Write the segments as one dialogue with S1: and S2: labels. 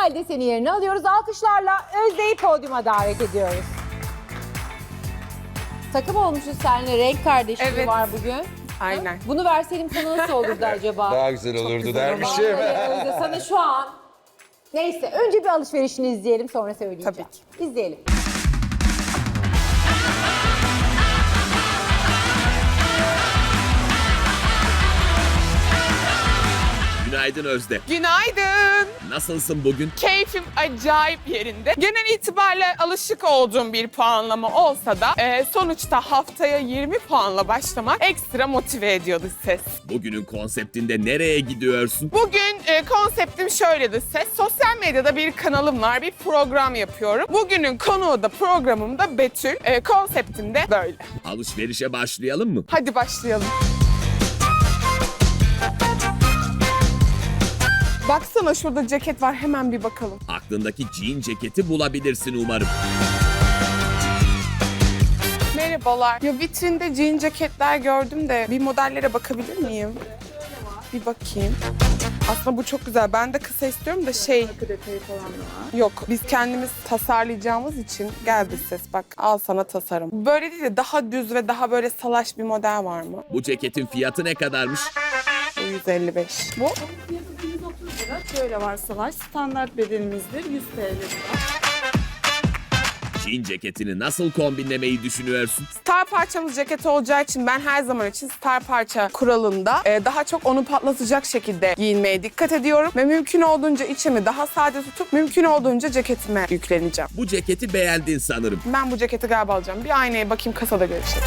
S1: Kemal deseni yerine alıyoruz. Alkışlarla Özde'yi podyuma davet ediyoruz. Takım olmuşuz seninle, renk kardeşliği
S2: Evet.
S1: var bugün.
S2: Aynen.
S1: Bunu verseydim sana nasıl olurdu acaba?
S3: Daha güzel olurdu dermişim.
S1: Vallahi Özde, sana şu an... Neyse, önce bir alışverişini izleyelim, sonra söyleyeceğim.
S2: Tabii ki.
S1: İzleyelim.
S4: Günaydın Özde.
S2: Günaydın.
S4: Nasılsın bugün?
S2: Keyfim acayip yerinde. Genel itibariyle alışık olduğum bir puanlama olsa da sonuçta haftaya 20 puanla başlamak ekstra motive ediyordu ses.
S4: Bugünün konseptinde nereye gidiyorsun?
S2: Bugün konseptim şöyledi ses. Sosyal medyada bir kanalım var, bir program yapıyorum. Bugünün konuğu da programım da Betül. Konseptim de böyle.
S4: Alışverişe başlayalım mı?
S2: Hadi başlayalım. Baksana şurada ceket var, hemen bir bakalım.
S4: Aklındaki jean ceketi bulabilirsin umarım.
S2: Merhabalar. Ya vitrinde jean ceketler gördüm de bir modellere bakabilir miyim? Bir bakayım. Aslında bu çok güzel. Ben de kısa istiyorum da şey... detayı falan da var. Yok, biz kendimiz tasarlayacağımız için geldi ses. Bak, al sana tasarım. Böyle değil de daha düz ve daha böyle salaş bir model var mı?
S4: Bu ceketin fiyatı ne kadarmış?
S2: Bu 155. Bu?
S5: Şöyle var salaş, standart bedenimizdir 100 TL lira.
S4: Jean ceketini nasıl kombinlemeyi düşünüyorsun?
S2: Star parçamız ceket olacağı için ben her zaman için star parça kuralında daha çok onu patlatacak şekilde giyinmeye dikkat ediyorum. Ve mümkün olduğunca içimi daha sade tutup mümkün olduğunca ceketime yükleneceğim.
S4: Bu ceketi beğendin sanırım.
S2: Ben bu ceketi galiba alacağım. Bir aynaya bakayım, kasada görüşelim.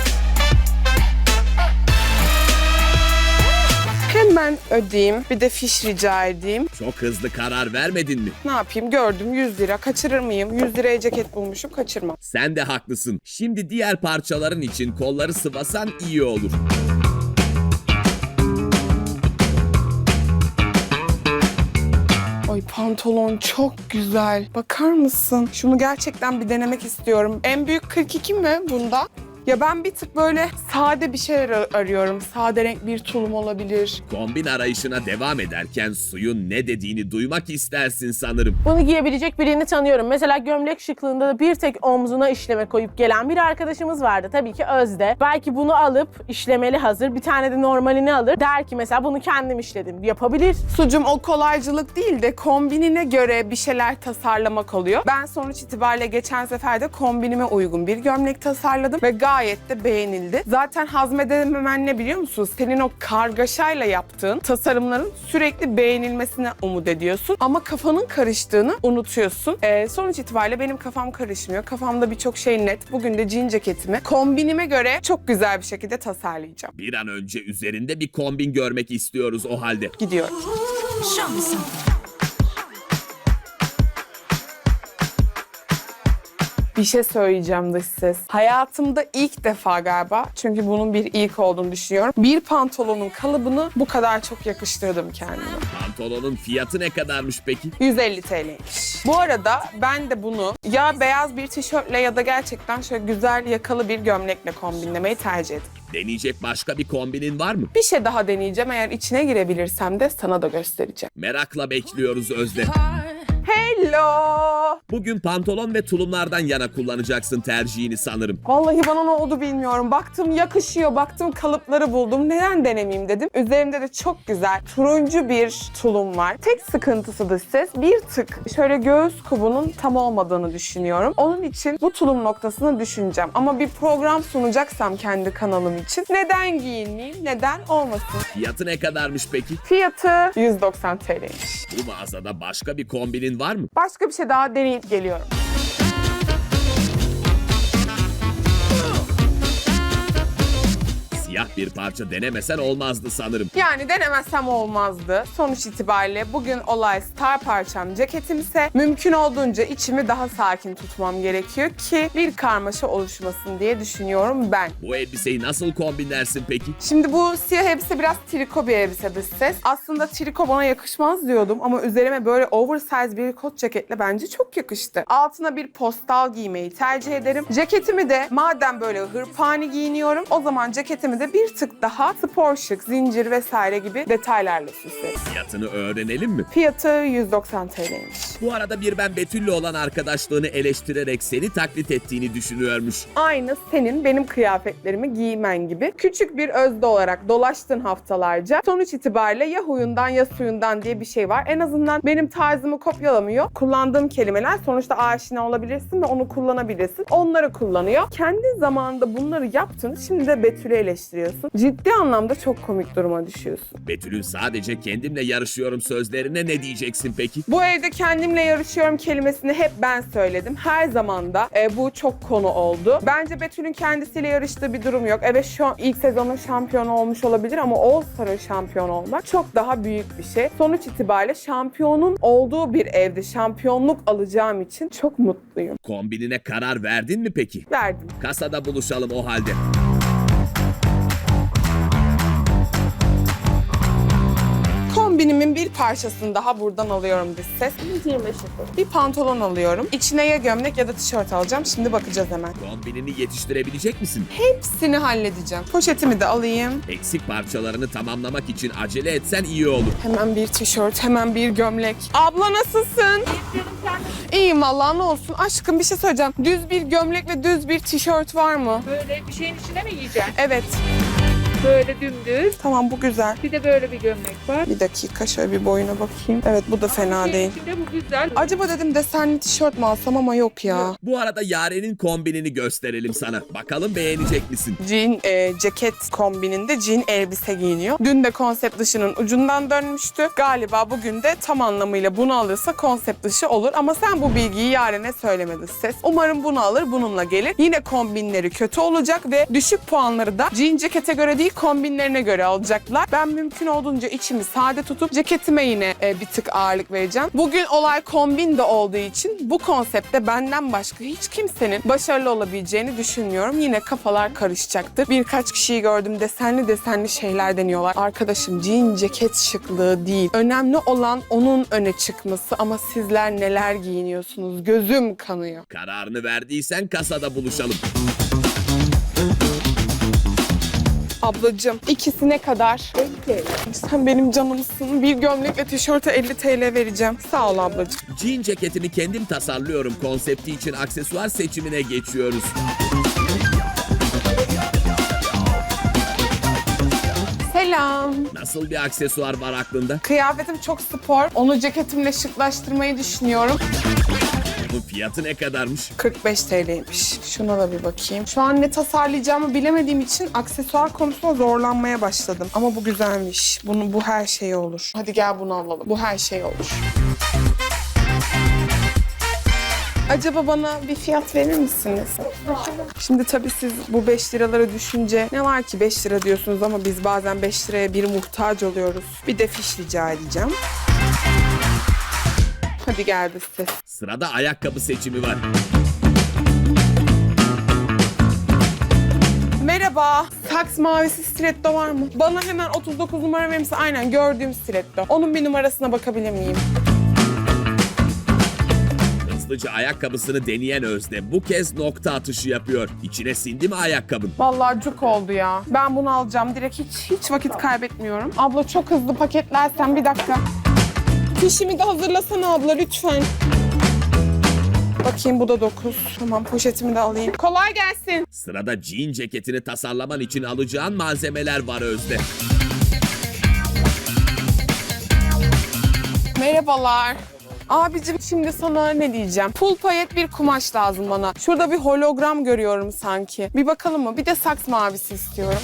S2: Hemen ödeyeyim. Bir de fiş rica edeyim.
S4: Çok hızlı karar vermedin mi?
S2: Ne yapayım? Gördüm 100 lira. Kaçırır mıyım? 100 liraya ceket bulmuşum. Kaçırmam.
S4: Sen de haklısın. Şimdi diğer parçaların için kolları sıvasan iyi olur.
S2: Ay pantolon çok güzel. Bakar mısın? Şunu gerçekten bir denemek istiyorum. En büyük 42 mi bunda? Ya ben bir tık böyle sade bir şeyler arıyorum. Sade renk bir tulum olabilir.
S4: Kombin arayışına devam ederken suyun ne dediğini duymak istersin sanırım.
S6: Bunu giyebilecek birini tanıyorum. Mesela gömlek şıklığında da bir tek omzuna işleme koyup gelen bir arkadaşımız vardı. Tabii ki Özde. Belki bunu alıp işlemeli hazır, bir tane de normalini alır. Der ki mesela bunu kendim işledim. Yapabilir.
S2: Sucum o kolaycılık değil de kombinine göre bir şeyler tasarlamak oluyor. Ben sonuç itibariyle geçen sefer de kombinime uygun bir gömlek tasarladım ve gayet de beğenildi. Zaten hazmedememen ne biliyor musun? Senin o kargaşayla yaptığın tasarımların sürekli beğenilmesine umut ediyorsun. Ama kafanın karıştığını unutuyorsun. Sonuç itibariyle benim kafam karışmıyor. Kafamda birçok şey net. Bugün de jean ceketimi kombinime göre çok güzel bir şekilde tasarlayacağım.
S4: Bir an önce üzerinde bir kombin görmek istiyoruz o halde.
S2: Gidiyorum. Bir şey söyleyeceğim dış ses. Hayatımda ilk defa galiba, çünkü bunun bir ilk olduğunu düşünüyorum, bir pantolonun kalıbını bu kadar çok yakıştırdım kendime.
S4: Pantolonun fiyatı ne kadarmış peki?
S2: 150 TL'ymiş. Bu arada ben de bunu ya beyaz bir tişörtle ya da gerçekten şöyle güzel yakalı bir gömlekle kombinlemeyi tercih ederim.
S4: Deneyecek başka bir kombinin var mı?
S2: Bir şey daha deneyeceğim. Eğer içine girebilirsem de sana da göstereceğim.
S4: Merakla bekliyoruz Özde.
S2: Hello!
S4: Bugün pantolon ve tulumlardan yana kullanacaksın tercihini sanırım.
S2: Vallahi bana ne oldu bilmiyorum. Baktım yakışıyor, baktım kalıpları buldum. Neden denemeyeyim dedim. Üzerimde de çok güzel turuncu bir tulum var. Tek sıkıntısı da ses bir tık şöyle göğüs kubunun tam olmadığını düşünüyorum. Onun için bu tulum noktasını düşüneceğim. Ama bir program sunacaksam kendi kanalım için neden giyinmeyeyim, neden olmasın?
S4: Fiyatı ne kadarmış peki?
S2: Fiyatı 190 TL'ymiş.
S4: Bu mağazada başka bir kombinin var mı?
S2: Başka bir şey daha deneyip geliyorum.
S4: Siyah bir parça denemesen olmazdı sanırım.
S2: Yani denemezsem olmazdı. Sonuç itibariyle bugün olay star parçam ceketimse mümkün olduğunca içimi daha sakin tutmam gerekiyor ki bir karmaşa oluşmasın diye düşünüyorum ben.
S4: Bu elbiseyi nasıl kombinlersin peki?
S2: Şimdi bu siyah elbise biraz triko bir elbise dış ses. Aslında triko bana yakışmaz diyordum ama üzerime böyle oversize bir kot ceketle bence çok yakıştı. Altına bir postal giymeyi tercih ederim. Ceketimi de madem böyle hırpani giyiniyorum o zaman ceketimi de de bir tık daha spor şık, zincir vesaire gibi detaylarla süsleriz.
S4: Fiyatını öğrenelim mi?
S2: Fiyatı 190 TL'ymiş.
S4: Bu arada bir ben Betül'le olan arkadaşlığını eleştirerek seni taklit ettiğini düşünüyormuş.
S2: Aynı senin benim kıyafetlerimi giymen gibi. Küçük bir özde olarak dolaştın haftalarca. Sonuç itibariyle ya huyundan ya suyundan diye bir şey var. En azından benim tarzımı kopyalamıyor. Kullandığım kelimeler sonuçta aşina olabilirsin ve onu kullanabilirsin. Onları kullanıyor. Kendi zamanında bunları yaptın. Şimdi de Betül'ü eleştiriyorsun. Ciddi anlamda çok komik duruma düşüyorsun.
S4: Betül'ün sadece kendimle yarışıyorum sözlerine ne diyeceksin peki?
S2: Bu evde kendimle yarışıyorum kelimesini hep ben söyledim. Her zaman da bu çok konu oldu. Bence Betül'ün kendisiyle yarıştığı bir durum yok. Evet şu an ilk sezonun şampiyonu olmuş olabilir ama All Star'ın şampiyon olmak çok daha büyük bir şey. Sonuç itibariyle şampiyonun olduğu bir evde şampiyonluk alacağım için çok mutluyum.
S4: Kombinine karar verdin mi peki?
S2: Verdim.
S4: Kasada buluşalım o halde.
S2: Kombinimin bir parçasını daha buradan alıyorum dış ses.
S6: 125
S2: Bir pantolon alıyorum. İçine ya gömlek ya da tişört alacağım. Şimdi bakacağız hemen.
S4: Kombinini yetiştirebilecek misin?
S2: Hepsini halledeceğim. Poşetimi de alayım.
S4: Eksik parçalarını tamamlamak için acele etsen iyi olur.
S2: Hemen bir tişört, hemen bir gömlek. Abla nasılsın? İyiyim vallahi ne olsun. Aşkım bir şey söyleyeceğim. Düz bir gömlek ve düz bir tişört var mı?
S3: Böyle bir şeyin içine mi giyeceksin?
S2: Evet.
S3: Böyle dümdüz.
S2: Tamam bu güzel.
S3: Bir de böyle bir gömlek var.
S2: Bir dakika şöyle bir boyuna bakayım. Evet bu da fena değil.
S3: İçinde bu güzel.
S2: Acaba dedim desenli tişört mü alsam ama yok ya.
S4: Bu arada Yaren'in kombinini gösterelim sana. Bakalım beğenecek misin?
S2: Jean ceket kombininde jean elbise giyiniyor. Dün de konsept dışının ucundan dönmüştü. Galiba bugün de tam anlamıyla bunu alırsa konsept dışı olur. Ama sen bu bilgiyi Yaren'e söylemedi ses. Umarım bunu alır, bununla gelir. Yine kombinleri kötü olacak ve düşük puanları da jean cekete göre değil kombinlerine göre alacaklar. Ben mümkün olduğunca içimi sade tutup ceketime yine bir tık ağırlık vereceğim. Bugün olay kombin de olduğu için bu konseptte benden başka hiç kimsenin başarılı olabileceğini düşünmüyorum. Yine kafalar karışacaktır. Birkaç kişiyi gördüm desenli şeyler deniyorlar. Arkadaşım jean ceket şıklığı değil. Önemli olan onun öne çıkması ama sizler neler giyiniyorsunuz? Gözüm kanıyor.
S4: Kararını verdiysen kasada buluşalım.
S2: Ablacığım ikisi ne kadar?
S1: 50 TL.
S2: Sen benim canımsın. Bir gömlek ve tişörte 50 TL vereceğim. Sağ ol ablacığım.
S4: Jean ceketimi kendim tasarlıyorum konsepti için aksesuar seçimine geçiyoruz.
S2: Selam.
S4: Nasıl bir aksesuar var aklında?
S2: Kıyafetim çok spor. Onu ceketimle şıklaştırmayı düşünüyorum.
S4: Bunun fiyatı ne kadarmış?
S2: 45 TL'ymiş. Şuna da bir bakayım. Şu an ne tasarlayacağımı bilemediğim için aksesuar konusunda zorlanmaya başladım. Ama bu güzelmiş. Bu her şey olur. Hadi gel bunu alalım. Bu her şey olur. Acaba bana bir fiyat verir misiniz? Şimdi tabii siz bu 5 liraları düşünce ne var ki 5 lira diyorsunuz ama biz bazen 5 liraya bir muhtaç oluyoruz. Bir de fiş rica edeceğim. Hadi geldi ses.
S4: Sırada ayakkabı seçimi var.
S2: Merhaba. Saks mavisi stiletto var mı? Bana hemen 39 numara verir misin? Aynen gördüğüm stiletto. Onun bir numarasına bakabilir miyim?
S4: Hızlıca ayakkabısını deneyen Özde bu kez nokta atışı yapıyor. İçine sindi mi ayakkabın?
S2: Vallahi cuk oldu ya. Ben bunu alacağım. Direkt hiç vakit kaybetmiyorum. Abla çok hızlı paketlersen bir dakika. Fişimi de hazırlasana abla lütfen. Bakayım bu da 9. Tamam poşetimi de alayım. Kolay gelsin.
S4: Sırada jean ceketini tasarlaman için alacağın malzemeler var Özde.
S2: Merhabalar. Abicim şimdi sana ne diyeceğim? Full payet bir kumaş lazım bana. Şurada bir hologram görüyorum sanki. Bir bakalım mı? Bir de saks mavisi istiyorum.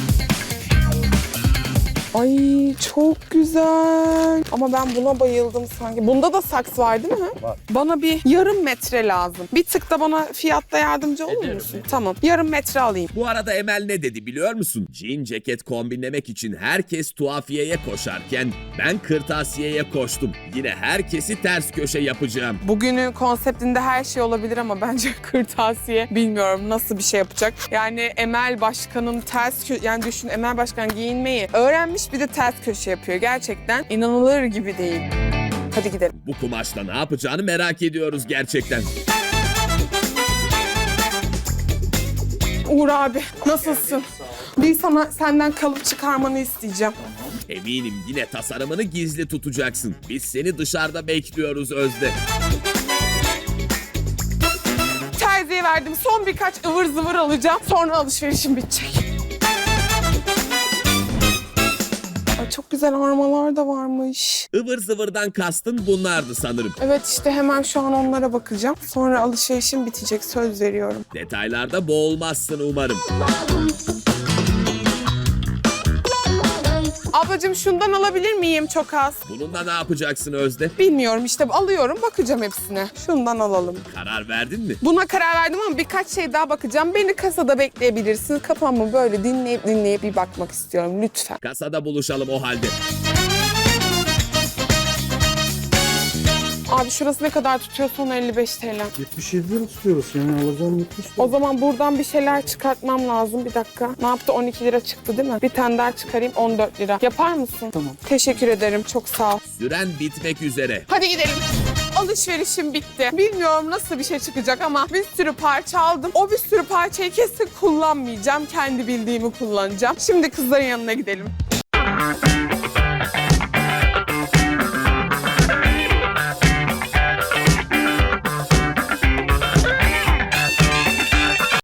S2: Ay çok güzel. Ama ben buna bayıldım sanki. Bunda da saks var değil mi? Var. Bana bir yarım metre lazım. Bir tık da bana fiyatta yardımcı olur musun? Tamam. Yarım metre alayım.
S4: Bu arada Emel ne dedi biliyor musun? Jean ceket kombinlemek için herkes tuhafiyeye koşarken ben kırtasiyeye koştum. Yine herkesi ters köşe yapacağım.
S2: Bugünün konseptinde her şey olabilir ama bence kırtasiye bilmiyorum nasıl bir şey yapacak. Yani Emel Başkan'ın yani düşün Emel Başkan giyinmeyi öğrenmiş bir de ters köşe yapıyor. Gerçekten inanılır gibi değil. Hadi gidelim.
S4: Bu kumaşla ne yapacağını merak ediyoruz gerçekten.
S2: Uğur abi nasılsın? Bir senden kalıp çıkarmanı isteyeceğim.
S4: Eminim yine tasarımını gizli tutacaksın. Biz seni dışarıda bekliyoruz Özde.
S2: Terziye verdim. Son birkaç ıvır zıvır alacağım. Sonra alışverişim bitecek. Ay, çok güzel armalar da varmış.
S4: Ivır zıvırdan kastın bunlardı sanırım.
S2: Evet işte hemen şu an onlara bakacağım. Sonra alışverişim bitecek, söz veriyorum.
S4: Detaylarda boğulmazsın umarım.
S2: Ablacığım şundan alabilir miyim çok az?
S4: Bununla ne yapacaksın Özde?
S2: Bilmiyorum işte alıyorum, bakacağım hepsine. Şundan alalım.
S4: Karar verdin mi?
S2: Buna karar verdim ama birkaç şey daha bakacağım. Beni kasada bekleyebilirsiniz. Kafamı böyle dinleyip bir bakmak istiyorum lütfen.
S4: Kasada buluşalım o halde.
S2: Abi şurası ne kadar tutuyor? Son 55 TL.
S7: 77 lira tutuyoruz. Yani alacağım 70 lira.
S2: O zaman buradan bir şeyler çıkartmam lazım. Bir dakika. Ne yaptı? 12 lira çıktı değil mi? Bir tane daha çıkarayım 14 lira. Yapar mısın?
S7: Tamam.
S2: Teşekkür ederim. Çok sağ ol.
S4: Süren bitmek üzere.
S2: Hadi gidelim. Alışverişim bitti. Bilmiyorum nasıl bir şey çıkacak ama bir sürü parça aldım. O bir sürü parçayı kesin kullanmayacağım. Kendi bildiğimi kullanacağım. Şimdi kızların yanına gidelim.